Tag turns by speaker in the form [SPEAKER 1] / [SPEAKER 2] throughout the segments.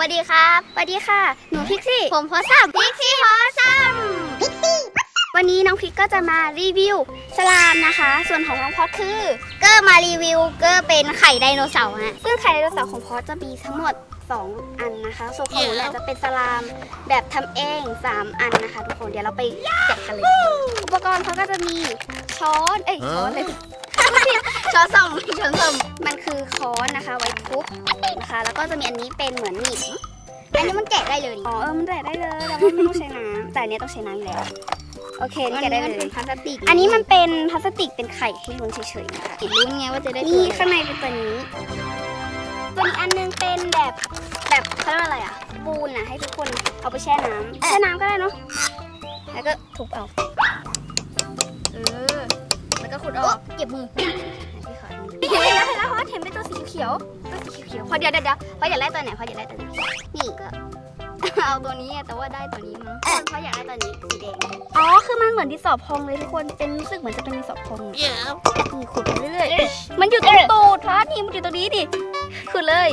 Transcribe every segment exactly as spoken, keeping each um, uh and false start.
[SPEAKER 1] วัสดีครับสวัสดีค่ะหนูพิกซี่ผมพอซัมพิกซี่พอซัมพิกซี่วันนี้น้องพิกก็จะมารีวิวสลามนะคะส่วนของน้องพอดคือเกอร์มารีวิวเกอร์เป็นไข่ไดโนเสาร์ฮะซึ่งไข่ไดโนเสาร์ของพอดจะมีทั้งหมดสองอันนะคะส่วนของหนูเนี่ยจะเป็นสลามแบบทำเองสามอันนะคะทุกคนเดี๋ยวเราไปแกะกันเลยอุปกรณ์เขาก็จะมีช้อนเอ้ยช้อนเลยช้อนส้อมช้อนส้อมมันคือค้อนนะคะไว้ทุบนะคะแล้วก็จะมีอันนี้เป็นเหมือนหนีบอันนี้มันแกะได้เลยอ๋อเออมันแกะได้เลยแต่ว่าไม่ต้องใช้น้ำแต่อันนี้ต้องใช้น้ำอยู่แล้วโอเคนี่แกะได้เลยเป็นพลาสติกอันนี้มันเป็นพลาสติกเป็นไข่ให้ลุ้นเฉยๆนะคะลุ้นไงว่าจะได้นี่ข้างในเป็นตัวนี้ตัวนี้อันนึงเป็นแบบแบบเขาเรียกว่าอะไรอ่ะปูนนะให้ทุกคนเอาไปแช่น้ำแช่น้ำก็ได้เนาะแล้วก็ทุบเอาเออแล้วก็ขุดออกเก็บมือพี่ขอเห็นแล้วเห็นแล้วเพราะเห็นเป็นตัวสีเขียวตัวสีเขียวพอเดี๋ยวเดี๋ยวพออยากได้ตัวไหนพออยากได้ตัวนี้นี่ก็เอาตัวนี้แต่ว่าได้ตัวนี้มั้งเพราะอยากได้ตัวนี้สีแดงอ๋อคือมันเหมือนดินสอพองเลยทุกคนเป็นรู้สึกเหมือนจะเป็นดินสอพองนี่ขุดไปเรื่อยๆมันอยู่ตรงตูดพระนี่มันอยู่ตรงนี้ดิขุดเลย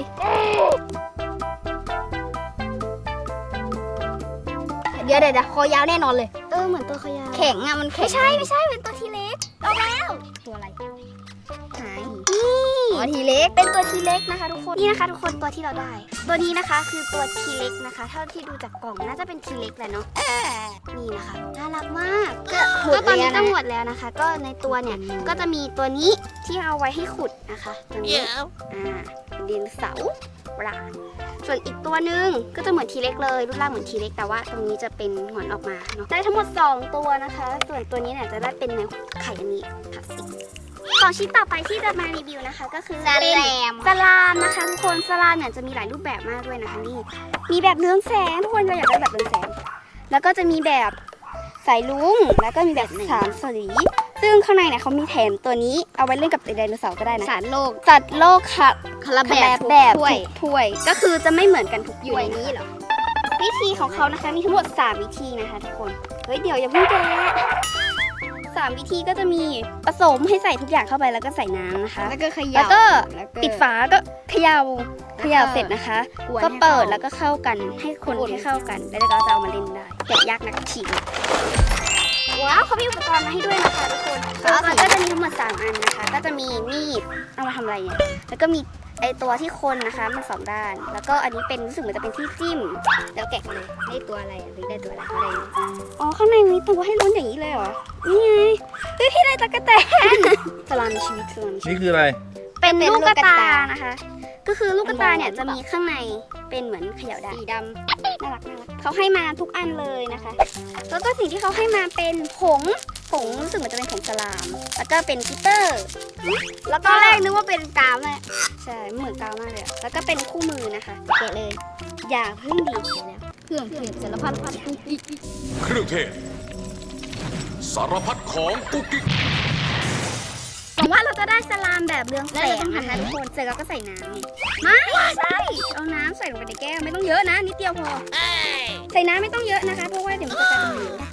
[SPEAKER 1] เดี๋ยวเดี๋ยวคอยาวแน่นอนเลยเออเหมือนตัวคอยาวแข็งอ่ะมันไม่ใช่ไม่ใช่เป็นตัวทีเล็กเอาแล้วตัวอะไรหายนี่อ๋อทีเล็กเป็นตัวทีเล็กนะคะทุกคนนี่นะคะทุกคนตัวที่เราได้ตัวนี้นะคะคือตัวทีเล็กนะคะเท่าที่ดูจากกล่องน่าจะเป็นทีเล็กแหละเนาะนี่นะคะน่ารักมากก็ตอนนี้ก็หมดแล้วนะคะก็ในตัวเนี่ยก็จะมีตัวนี้ที่เอาไว้ให้ขุดนะคะตัวนี้อ่าเป็นดินเสาปลาส่วนอีกตัวหนึ่งก็จะเหมือนทีเล็กเลยรูปร่างเหมือนทีเล็กแต่ว่าตรงนี้จะเป็นหงอนออกมาเนาะได้ทั้งหมดสองตัวนะคะส่วนตัวนี้เนี่ยจะได้เป็นในไข่อันนี้พลาสติกของชิ้นต่อไปที่จะมารีวิวนะคะก็คือเป็นสลามนะคะทุกคนสลามเนี่ยจะมีหลายรูปแบบมากด้วยนะคะนี่มีแบบเรืองแสงทุกคนเราอยากได้แบบเรืองแสงแล้วก็จะมีแบบสายลุ้งแล้วก็มีแบบสามสีซึ่งข้างในเนี่ยเขามีแถมตัวนี้เอาไว้เล่นกับไดโนเสาร์ก็ได้นะสัตว์โลกสัตว์โลกค่ะคาราแบบแบบถ้วยถ้วยก็คือจะไม่เหมือนกันทุกอยู่ในนี้เหรอวิธีของเขานะคะมีทั้งหมดสามวิธีนะคะทุกคนเฮ้ยเดี๋ยวอย่าเพิ่งแกะสามวิธีก็จะมีผสมให้ใส่ทุกอย่างเข้าไปแล้วก็ใส่น้ำนะคะแล้วก็เขย่าแล้วก็ปิดฝาก็เขย่าเขย่าเสร็จนะคะก็เปิดแล้วก็เข้ากันให้คนให้เข้ากันแล้วก็จะเอามาเล่นได้แกะยากนักฉีกว้าวเขามีอุปกรณ์มาให้ด้วยนะคะทุกคนอุปกรณ์ก็จะมีทั้งหมดสามอันนะคะก็จะมีมีดเอามาทำอะไรเนี่ยแล้วก็มีไอตัวที่คนนะคะมันสองด้านแล้วก็อันนี้เป็นรู้สึกเหมือนจะเป็นที่จิ้มแล้วแกะเลยได้ตัวอะไรหรือได้ตัวอะไรอะไรอ๋อข้างในมีตัวให้ลุ้นอย่างนี้เลยเหรอนี่ไงเฮ้ยพี่ได้ตะกะแตนสลามมีชีวิตสลาม
[SPEAKER 2] นี่คืออะไร
[SPEAKER 1] เป็นลูกกระตานะคะก็คือลูกกระตาเนี่ยจะมีข้างในเป็นเหมือนเขย่าได้สีดำน่ารักน่ารักเขาให้มาทุกอันเลยนะคะแล้วก็สิ่งที่เขาให้มาเป็นผงผงรู้สึกเหมือนจะเป็นผงสลามแล้วก็เป็นกิตเตอร์แล้วก็แรกนึกว่าเป็นกาวเลยใช่เหมือนกาวมากเลยแล้วก็เป็นคู่มือนะคะเกะเลยอย่าเพิ่งดีแล้วเครื่องเทศสารพัดพัดกุ๊กกิ๊ก
[SPEAKER 3] เครื่องเทศสารพัดของกุ๊กกิ๊ก
[SPEAKER 1] หวังว่าเราจะได้สลามแบบเรืองแสงนะคะทุกคนเสร็จแล้วก็ใส่น้ำไม่ใช่เอาน้ำใส่ลงไปในแก้วไม่ต้องเยอะนะนิดเดียวพอใส่น้ำไม่ต้องเยอะนะคะเพราะว่าเดี๋ยวมันจะกลายเป็นเหลว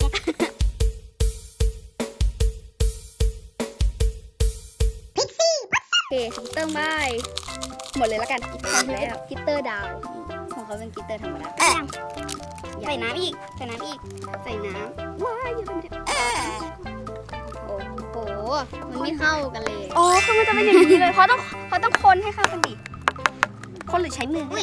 [SPEAKER 1] พิกซี่โอเคกิตเตอร์ใบหมดเลยแล้วกันกิตเตอร์แล้วกิตเตอร์ดาวของเขาเป็นกิตเตอร์ธรรมดาใส่น้ำอีกใส่น้ำอีกใส่น้ำว้ายเยอะไปหมดโอ้โหมันไม่เข้ากันเลยอ๋อคือมันจะเป็นอย่างนี้เลยเพราะต้องเพราะต้องคนให้เข้ากันดิคนหรือใช้มืออุ้ย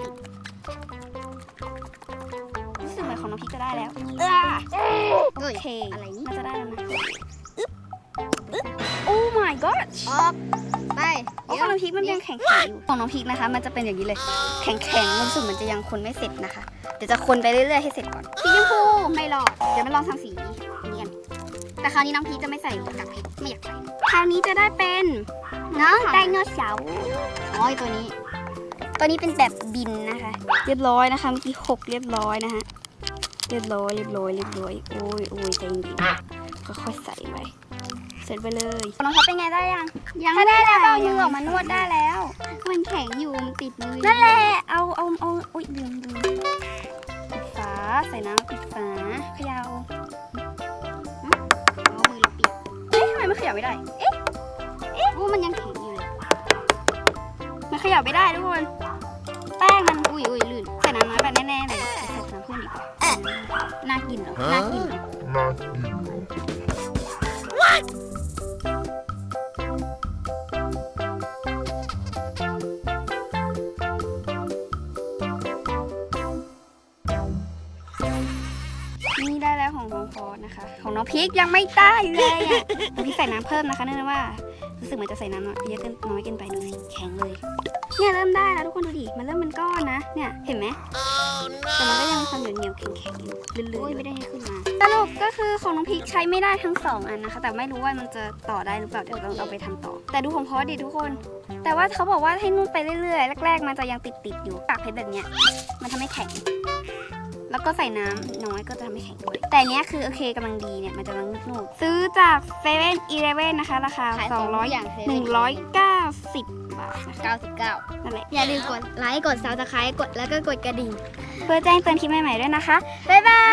[SPEAKER 1] รู้สึกเหมือนของน้องพิกจะได้แล้วโอเคอะไรนี่น่าจะได้แล้วนะอึ๊บอึ๊บโอ้ my god ออกไปของน้องพิกมันยังแข็งๆอยู่ของน้องพิกนะคะมันจะเป็นอย่างนี้เลยแข็งๆรู้สึกมันจะยังคนไม่เสร็จนะคะเดี๋ยวจะคนไปเรื่อยๆให้เสร็จก่อนสีชมพูไม่รอดเดี๋ยวมาลองทำสีนี้กันแต่คราวนี้น้องพีจะไม่ใส่กับเพชรไม่อยากใส่คราวนี้จะได้เป็นเนาะไดโนเสาร์อ๋อตัวนี้ตัวนี้เป็นแบบบินนะคะเรียบร้อยนะคะเมื่อกี้หกเรียบร้อยนะฮะเรียบร้อยเรียบร้อยเรียบร้อยโอ้ยโอ้ยใจเย็นค่อยๆใส่ไปเสร็จไปเลยน้องเขาเป็นไงได้ยังยังไม่ได้แล้วเอามือออกมานวดได้แล้วมันแข็งอยู่มันติดมือนั่นแหละเอาเอาเอาโอ้ยดึงดึงปิดฝาใส่น้ำปิดฝาเขย่ามันขยับไม่ได้ เอ๊ะ เอ๊ะมันยังแข็งอยู่เลยมันขยับไม่ได้ทุกคน แป้งมัน อุ้ยอุ้ยน่ากิน
[SPEAKER 2] น่ากินเหรอ
[SPEAKER 1] นี่ได้แล้วของน้องพอสนะคะ ของน้องพีคยังไม่ได้เลยอ่ะน้องพีคใส่น้ำเพิ่มนะคะเนื่องจากว่ารู้สึกเหมือนจะใส่น้ำเยอะเกินน้อยเกินไปดูสิแข็งเลย เนี่ยเริ่มได้แล้วทุกคนดูดิมันเริ่มเป็นก้อนนะเนี่ยเห็นไหมแต่มันก็ยังมีความเหนียวเหนียวๆแข็งแข็งๆอยู่ลื่นๆไม่ได้ให้ขึ้นมาสรุปก็คือของน้องพีคใช้ไม่ได้ทั้งสองอันนะคะ แต่ไม่รู้ว่ามันจะต่อได้หรือเปล่าเดี๋ยวเราเอาไปทำต่อ แต่ดูของพอสดิทุกคน แต่ว่าเขาบอกว่าให้นุ่นไปเรื่อยๆแรกๆมันจะยังติดๆอยู่ปากเพชรแบบเนี้ยมันทำให้แข็ง แล้วก็ใส่น้ำน้อยก็จะทำให้แข็งด้วยแต่อันเนี้ยคือโอเคกำลังดีเนี่ยมันจะกำลังนุ่มๆซื้อจากเซเว่นอีเลฟเว่นนะคะราคา
[SPEAKER 4] ขาย
[SPEAKER 1] ส
[SPEAKER 4] ส
[SPEAKER 1] อ
[SPEAKER 4] อง ง
[SPEAKER 1] ร้อย
[SPEAKER 4] อย่างเซเว่น
[SPEAKER 1] หนึ่งร้อยเก้าสิบบาทนะคะ
[SPEAKER 4] เก้าสิบเก้า
[SPEAKER 1] นั่นแหละ
[SPEAKER 4] อย่าลืมกดไลค์ กดซับสไครต์กดแล้วก็กดกระดิ่ง
[SPEAKER 1] เพื่อแจ้งเตือนคลิปใหม่ๆด้วยนะคะ บ๊ายบาย